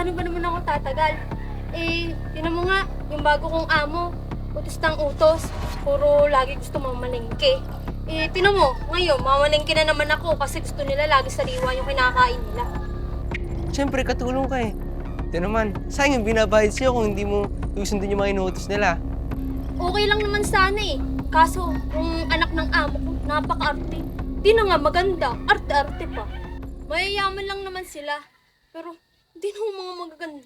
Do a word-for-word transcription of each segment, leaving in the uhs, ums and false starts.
paano ba naman ako tatagal? Eh, tinan mo nga, yung bago kong amo, utos ng utos, puro lagi gusto mamalengke. Eh, tinan mo, ngayon, mamalengke na naman ako kasi gusto nila lagi sariwa yung kinakain nila. Siyempre, katulong ka eh. Ito naman, sayang yung binabayad sa'yo kung hindi mo susundin yung mga inuutos nila. Okay lang naman sana eh. Kaso, yung anak ng amo ko, napaka-arte. Di na nga maganda, arte-arte pa. Mayayaman lang naman sila, pero di na mga magaganda.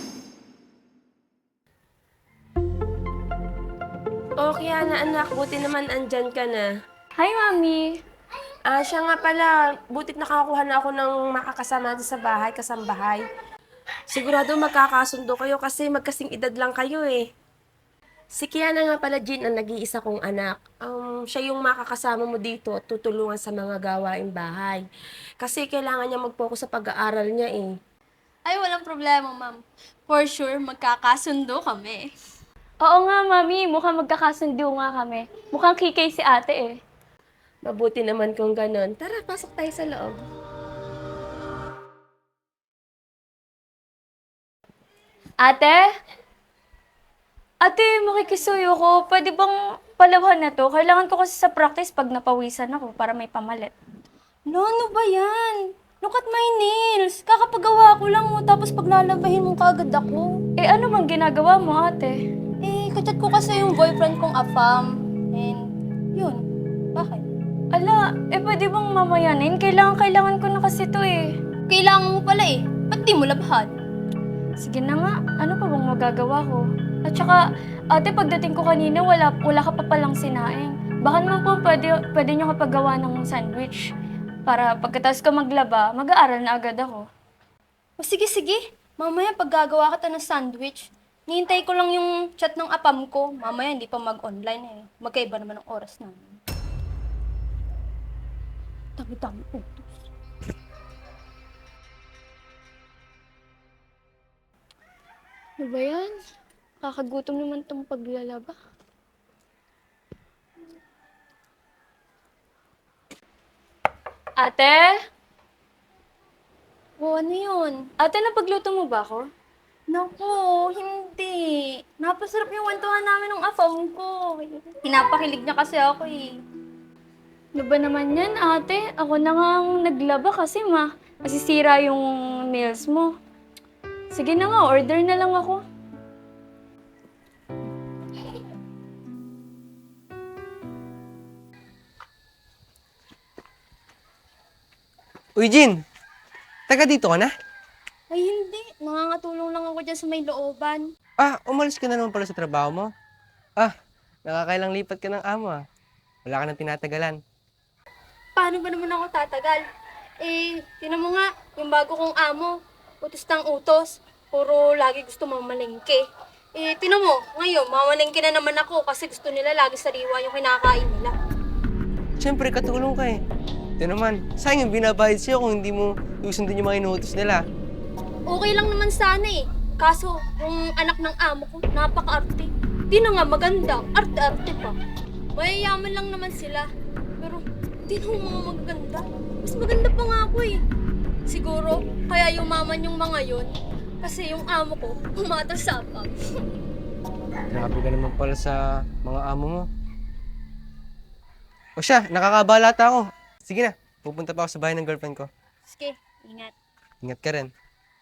Okay, Ana, anak. Buti naman andyan ka na. Hi, Mami! Ah, siya nga pala. Butit nakakuha na ako ng makakasama natin sa bahay, kasambahay. Sigurado magkakasundo kayo kasi magkasing edad lang kayo eh. Si Kiana nga pala, Jean, ang nag-iisa kong anak. Um, siya yung makakasama mo dito at tutulungan sa mga gawaing bahay. Kasi kailangan niya mag-focus sa pag-aaral niya eh. Ay, walang problema, ma'am. For sure, magkakasundo kami. Oo nga, Mami. Mukhang magkakasundo nga kami. Mukhang kikay si ate eh. Mabuti naman kung ganon. Tara, pasok tayo sa loob. Ate? Ate, makikisuyo ko. Pwede bang palawhan na to? Kailangan ko kasi sa practice pag napawisan ako para may pamalit. No, ano ba yan? Look at my nails. Kakapagawa ko lang mo, tapos paglalabahin mo kaagad ako. Eh, ano bang ginagawa mo, ate? Eh, kachat ko kasi yung boyfriend kong afam. And, yun. Bakit? Ala, eh pwede bang mamayanin? Kailangan, kailangan ko na kasi to eh. Kailangan mo pala eh. Ba't di mo labhan? Sige na nga, ano pa bang magagawa ko? At saka, ate, pagdating ko kanina, wala, wala ka pa palang sinaing. Baka naman po pwede, pwede nyo kapagawa ng sandwich. Para pagkatapos ko maglaba, mag-aaral na agad ako. O sige, sige. Mamaya pag gagawa ka ta ng sandwich, nihintay ko lang yung chat ng apam ko. Mamaya hindi pa mag-online eh. Magkaiba naman ang oras namin. Dami-dami utos. Ano ba yan? Kakagutom naman tong paglalaba. Ate? O ano yun? Ate, napagluto mo ba ako? Naku, hindi. Napasarap yung kwentuhan namin ng afam ko. Pinapakilig niya kasi ako eh. Ano ba naman yan, ate? Ako na nga ang naglaba kasi ma. Masisira yung nails mo. Sige na nga, order na lang ako. Uy, Jin! Taga dito ka na? Ay hindi, nangangatulong lang ako dyan sa may looban. Ah, umalis ka na naman pala sa trabaho mo? Ah, nakakailang lipat ka ng amo ah. Wala ka nang tinatagalan. Paano ba naman ako tatagal? Eh, tinan mo nga, yung bago kong amo, utos ng utos, puro lagi gusto mamalengke. Eh, tinan mo, ngayon, mamalengke na naman ako kasi gusto nila lagi sariwa yung kinakain nila. Siyempre, katulong ka eh. Ito naman, sayang yung binabayad sa'yo kung hindi mo susundin yung mga inuutos nila. Okay lang naman sana eh. Kaso, yung anak ng amo ko, napaka-arte. Di na nga maganda, arte-arte pa. Mayayaman lang naman sila. Pero, di na mga magaganda. Mas maganda pa nga ako eh. Siguro, kaya yumaman yung mga yun. Kasi yung amo ko, pumatas sa apam. Grabe ka naman pala sa mga amo mo. O siya, nakakabalata ako. Sige na, pupunta pa ako sa bahay ng girlfriend ko. Sige, ingat. Ingat ka rin.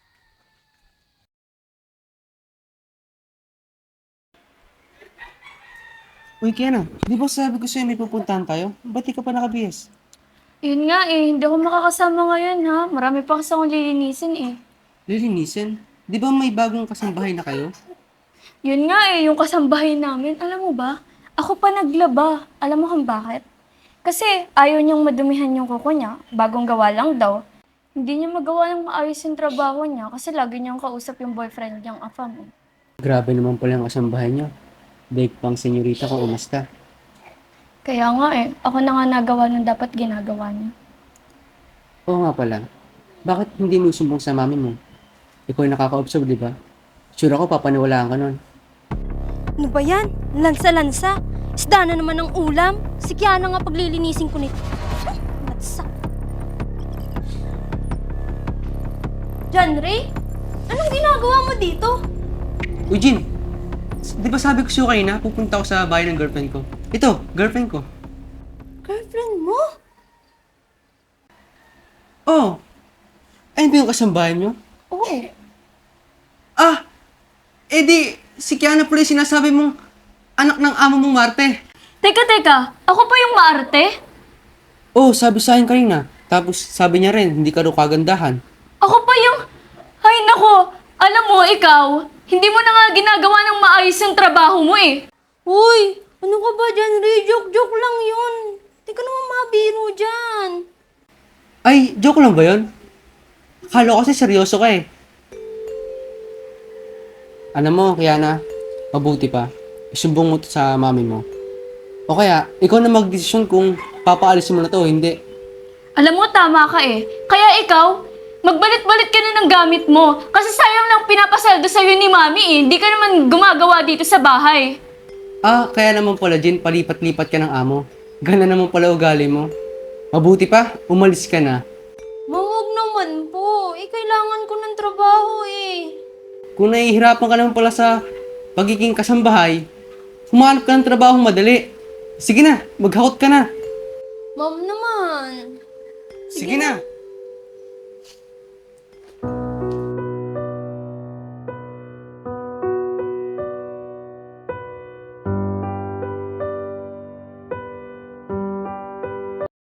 Uy, Kiana, di ba sabi ko sa'yo may pupuntahan tayo? Ba't di ka pa nakabihis? Yun nga eh, hindi ako makakasama ngayon ha. Marami pa kasi akong lilinisin eh. Lilinisin? Di ba may bagong kasambahay na kayo? Yun nga eh, yung kasambahay namin. Alam mo ba, ako pa naglaba. Alam mo kung bakit? Kasi ayaw niyang madumihan yung kuko niya. Bagong gawa lang daw. Hindi niya magawa ng maayos yung trabaho niya kasi lagi niyang kausap yung boyfriend niyang afam eh. Grabe naman pala ang kasambahay niyo. Daig pang senyorita kung umasta. Kaya nga eh, ako na nga nagawa ng dapat ginagawa niya. Oo nga pala. Bakit hindi mo sumbong sa mami mo? Ikaw yung nakaka-observe, di ba? Sure ako, papaniwalaan ka nun. Ano ba yan? Lansa-lansa. Isda na naman ng ulam. Si Kiana nga paglilinisin ko nito. Matsak. John Ray? Anong ginagawa dito? Uy, Jin, s- di ba sabi ko sa'yo kanina, pupunta ako sa bahay ng girlfriend ko? Ito, girlfriend ko. Girlfriend mo? Oh, ayun ba yung kasambahay niyo? Oo. Ah, edi, si Kiana pala yung sinasabi mong anak ng amo mong Marte. Teka, teka. Ako pa yung maarte? Oh, sabi sa akin kanina. Tapos sabi niya rin, hindi ka daw kagandahan. Ako pa yung... Ay, nako. Alam mo, ikaw, hindi mo na nga ginagawa ng maayos yung trabaho mo eh. Uy, ano ka ba dyan, Ray? Joke-joke lang yun. Di ka naman mabiro dyan. Ay, joke lang ba yun? Akala ko kasi seryoso ka eh. Alam mo, Kiana, mabuti pa. Isumbong mo to sa mami mo. O kaya, ikaw na magdesisyon kung papaalisin mo na to o hindi. Alam mo, tama ka eh. Kaya ikaw, magbalit-balit ka na ng gamit mo. Kasi sayang lang pinapasweldo sa'yo ni Mami eh. Hindi ka naman gumagawa dito sa bahay. Ah, kaya naman pala, Jin, palipat-lipat ka ng amo. Gana naman pala ugali mo. Mabuti pa, umalis ka na. Mawag naman po. Eh, kailangan ko ng trabaho eh. Kung nahihirapan ka naman pala sa pagiging kasambahay, humanap ka ng trabaho madali. Sige na, maghakot ka na. Ma'am naman. Sige na.